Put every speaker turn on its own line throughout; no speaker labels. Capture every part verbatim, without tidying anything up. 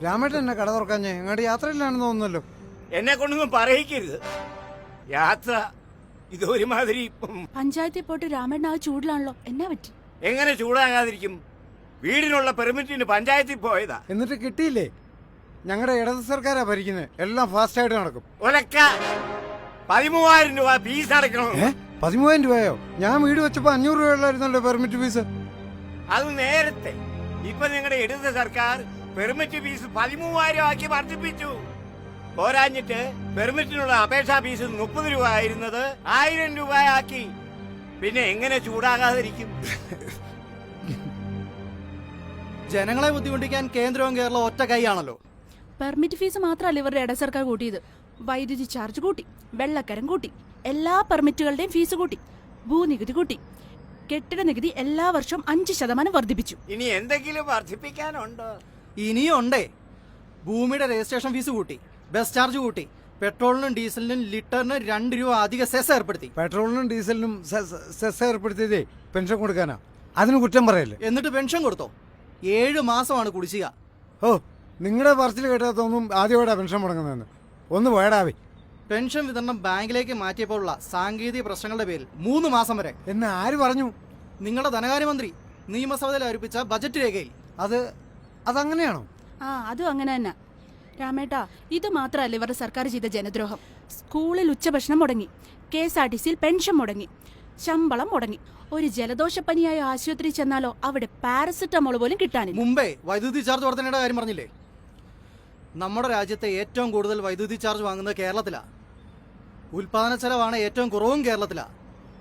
രാമേട്ടൻ എന്നെ കട തുറക്കാഞ്ഞേ എങ്ങോട്ട് യാത്രയിലാണെന്ന് തോന്നുന്നല്ലോ.
എന്നെ കൊണ്ടൊന്നും പറയിക്കരുത്. യാത്ര ഇതൊരുമാതിരി.
പഞ്ചായത്തിൽ പോയിട്ട് രാമേട്ടൻ ആ ചൂടിലാണല്ലോ, എന്നാ പറ്റി?
എങ്ങനെ ചൂടാകാതിരിക്കും? വീടിനുള്ള പെർമിറ്റിന് പഞ്ചായത്തിൽ പോയതാ.
എന്നിട്ട് കിട്ടിയില്ലേ? ഞങ്ങളുടെ ഇടത് സർക്കാരാ ഭരിക്കുന്നത്, എല്ലാം ഫാസ്റ്റ് ആയിട്ട് നടക്കും.
ഒലക്ക പതിമൂവായിരം രൂപ ഫീസ് അടക്കണം.
ഏ പതിമൂവായിരം രൂപയോ? ഞാൻ വീട് വെച്ചപ്പോ അഞ്ഞൂറ് രൂപയുള്ളായിരുന്നല്ലോ പെർമിറ്റ് ഫീസ്.
അത് നേരത്തെ. ഇപ്പൊ നിങ്ങളുടെ ഇടത് സർക്കാർ പെർമിറ്റ് ഫീസ് പതിമൂവായിരം ആക്കി വർദ്ധിപ്പിച്ചു. പോരാഞ്ഞിട്ട് പെർമിറ്റിനുള്ള അപേക്ഷാ ഫീസ് മുപ്പത് രൂപ ആയിരുന്നത് ആയിരം രൂപ ആക്കി. പിന്നെ എങ്ങനെ ചൂടാകാതിരിക്കും?
ജനങ്ങളെ ബുദ്ധിമുട്ടിക്കാൻ കേന്ദ്രവും കേരളവും ഒറ്റ കൈയാണല്ലോ.
പെർമിറ്റ് ഫീസ് മാത്രമല്ല ഇവരുടെ ഇട സർക്കാർ കൂട്ടിയത്. വൈദ്യുതി ചാർജ് കൂട്ടി, വെള്ളക്കരം കൂട്ടി, എല്ലാ പെർമിറ്റുകളുടെയും ഫീസ് കൂട്ടി, ഭൂനികുതി കൂട്ടി, കെട്ടിട നികുതി എല്ലാ വർഷവും അഞ്ച് ശതമാനം വർദ്ധിപ്പിച്ചു.
ഇനി എന്തെങ്കിലും വർദ്ധിപ്പിക്കാനുണ്ടോ?
ഇനിയും ഉണ്ടേ. ഭൂമിയുടെ രജിസ്ട്രേഷൻ ഫീസ് കൂട്ടി, ബസ് ചാർജ് കൂട്ടി, പെട്രോളിനും ഡീസലിനും ലിറ്ററിന് രണ്ട് രൂപ അധിക സെസ് ഏർപ്പെടുത്തി.
പെട്രോളിനും ഡീസലിനും സെസ് ഏർപ്പെടുത്തിയതേ പെൻഷൻ കൊടുക്കാനാ. അതിന് കുറ്റം പറയല്ലേ?
എന്നിട്ട് പെൻഷൻ കൊടുത്തോ? ഏഴ് മാസമാണ് കുടിശ്ശിക.
ഓ, നിങ്ങളുടെ പറച്ചിൽ കേട്ടാത്തൊന്നും ആദ്യമായിട്ടാ പെൻഷൻ മുടങ്ങുന്നതെന്ന്. ഒന്ന് വേടാവേ.
പെൻഷൻ വിതരണം ബാങ്കിലേക്ക് മാറ്റിയപ്പോഴുള്ള സാങ്കേതിക പ്രശ്നങ്ങളുടെ പേരിൽ മൂന്ന് മാസം വരെ.
എന്ന് ആര് പറഞ്ഞു?
നിങ്ങളുടെ ധനകാര്യമന്ത്രി നിയമസഭയിൽ അവതരിപ്പിച്ച ബജറ്റ് രേഖയിൽ.
അത് അതങ്ങനെയാണോ?
ആ അതും അങ്ങനെ തന്നെ രാമേട്ടാ. ഇത് മാത്രമല്ല ഇവരുടെ സർക്കാർ ചെയ്ത ജനദ്രോഹം. സ്കൂളിൽ ഉച്ചഭക്ഷണം മുടങ്ങി, കെ എസ് ആർ ടി സിയിൽ പെൻഷൻ മുടങ്ങി, ശമ്പളം മുടങ്ങി. ഒരു ജലദോഷപ്പനിയായ ആശുപത്രി ചെന്നാലോ അവിടെ പാരസെറ്റമോൾ പോലും കിട്ടാനില്ല.
മുമ്പേ വൈദ്യുതി ചാർജ് വർധനയുടെ കാര്യം പറഞ്ഞില്ലേ? നമ്മുടെ രാജ്യത്തെ ഏറ്റവും കൂടുതൽ വൈദ്യുതി ചാർജ് വാങ്ങുന്നത് കേരളത്തിലാണ്. ഉൽപാദന ചെലവാണ് ഏറ്റവും കുറവും കേരളത്തിലാണ്.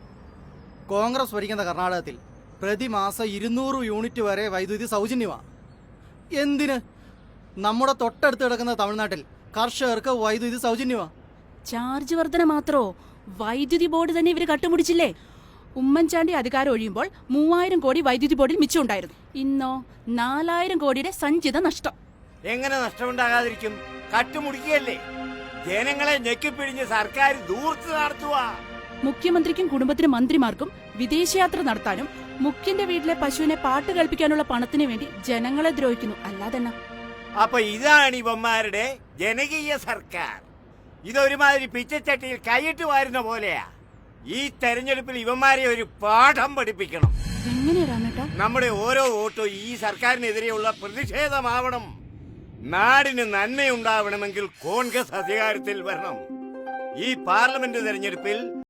കോൺഗ്രസ് ഭരിക്കുന്ന കർണാടകത്തിൽ പ്രതിമാസം ഇരുന്നൂറ് യൂണിറ്റ് വരെ വൈദ്യുതി സൗജന്യമാണ്. എന്തിന്? നമ്മുടെ തൊട്ടടുത്ത് കിടക്കുന്ന തമിഴ്നാട്ടിൽ കർഷകർക്ക് വൈദ്യുതി സൗജന്യമാണ്.
ചാർജ് വർധന മാത്രോ? വൈദ്യുതി ബോർഡ് തന്നെ ഇവര് കട്ടുമുടിച്ചില്ലേ? ഉമ്മൻചാണ്ടി അധികാരം ഒഴിയുമ്പോൾ മൂവായിരം കോടി വൈദ്യുതി ബോർഡിൽ മിച്ചമുണ്ടായിരുന്നു. ഇന്നോ നാലായിരം കോടിയുടെ സഞ്ചിത നഷ്ടം.
എങ്ങനെ നഷ്ടമുണ്ടാകാതിരിക്കും? കട്ടുമുടിക്കുകയല്ലേ? ജനങ്ങളെ ഞെക്കിപ്പിഴിഞ്ഞ് സർക്കാർ ദൂർത്ത് നടത്തുക.
മുഖ്യമന്ത്രിക്കും കുടുംബത്തിനും മന്ത്രിമാർക്കും വിദേശയാത്ര നടത്താനും മുഖ്യന്റെ വീട്ടിലെ പശുവിനെ പാട്ട് കേൾപ്പിക്കാനുള്ള പണത്തിന് വേണ്ടി ജനങ്ങളെ ദ്രോഹിക്കുന്നു, അല്ലാതെന്നാ?
അപ്പൊ ഇതാണ് ഇവന്മാരുടെ ജനകീയ സർക്കാർ. ഇതൊരുമാതിരി പിച്ചച്ചട്ടിയിൽ കൈയിട്ട് വാരുന്ന പോലെയാ. ഈ തെരഞ്ഞെടുപ്പിൽ ഇവന്മാരെ ഒരു പാഠം പഠിപ്പിക്കണം.
എങ്ങനെയാ രാമേട്ടാ?
നമ്മുടെ ഓരോ വോട്ടും ഈ സർക്കാരിനെതിരെയുള്ള പ്രതിഷേധമാവണം. നാടിന് നന്മയുണ്ടാവണമെങ്കിൽ കോൺഗ്രസ് അധികാരത്തിൽ വരണം. ഈ പാർലമെന്റ് തെരഞ്ഞെടുപ്പിൽ